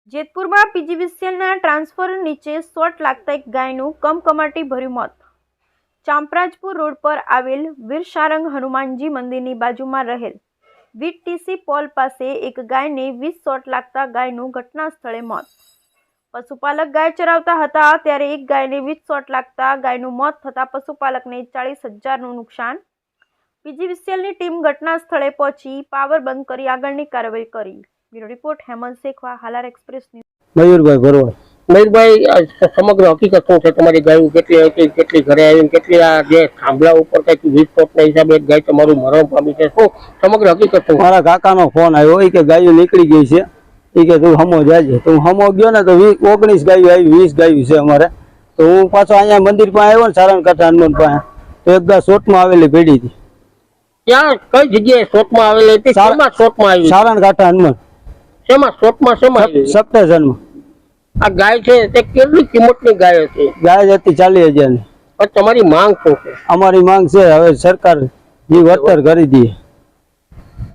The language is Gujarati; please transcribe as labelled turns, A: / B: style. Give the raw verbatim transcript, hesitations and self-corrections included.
A: જેતપુરમાં પીજીવીસીએલના ટ્રાન્સફર નીચે શોર્ટ લાગતા એક ગાયનું કમકમાટી ભર્યું મોત. ચાંપરાજપુર રોડ પર આવેલ વીરસારંગ હનુમાનજી મંદિરની બાજુમાં રહેલ વીટીસી પોલ પાસે એક ગાયને વીસ શોટ લાગતા ગાયનું ઘટના સ્થળે મોત. પશુપાલક ગાય ચરાવતા હતા ત્યારે એક ગાયને વીસ શોટ લાગતા ગાયનું મોત થતાં પશુપાલકને ચાલીસ હજારનું નુકસાન. પીજીવીસીએલની ટીમ ઘટના સ્થળે પહોંચી પાવર બંધ કરી આગળની કાર્યવાહી કરી. Bureau report Hemant Shekhwa, Halar express news.
B: Mayurbhai Bharwad.
C: Mayurbhai, સમગ્ર હકીકત શું છે? તમારી ગાયો કેટલી હતી, કેટલી ઘરે આવી, કેટલી આ જે થાંભલા ઉપર કઈક વીસ ફૂટના હિસાબે એક ગાય તમારું મરણ પામી છે, શું સમગ્ર હકીકત શું?
B: મારા કાકાનો ફોન આવ્યો કે ગાયો નીકળી ગઈ છે, એ કે તું હમો જાજે. તો હું હમો ગયો ને તો ઓગણીસ ગાયો આવી, વીસ ગાયો છે અમારે. તો હું પાછો અહીંયા મંદિર પાસે આવ્યો ને સારણ કાંઠા હનુમાન પાસે, તો એક ગા શોટમાં આવેલી ભેડી હતી.
C: ત્યાં કઈ જગ્યાએ શોટમાં આવેલી હતી? શેમાં શોટમાં આવી?
B: સારણ કાંઠા હનુમાન.
C: શેમાં શોટમાં શેમાં આવી?
B: સપ્તેશનમાં.
C: આ ગાય છે તે કેટલી કિંમતની ગાય હતી?
B: ગાય હતી ચાલીસ હજાર ની.
C: તમારી માંગ શું છે?
B: અમારી માંગ છે હવે સરકાર જે વળતર કરી દે.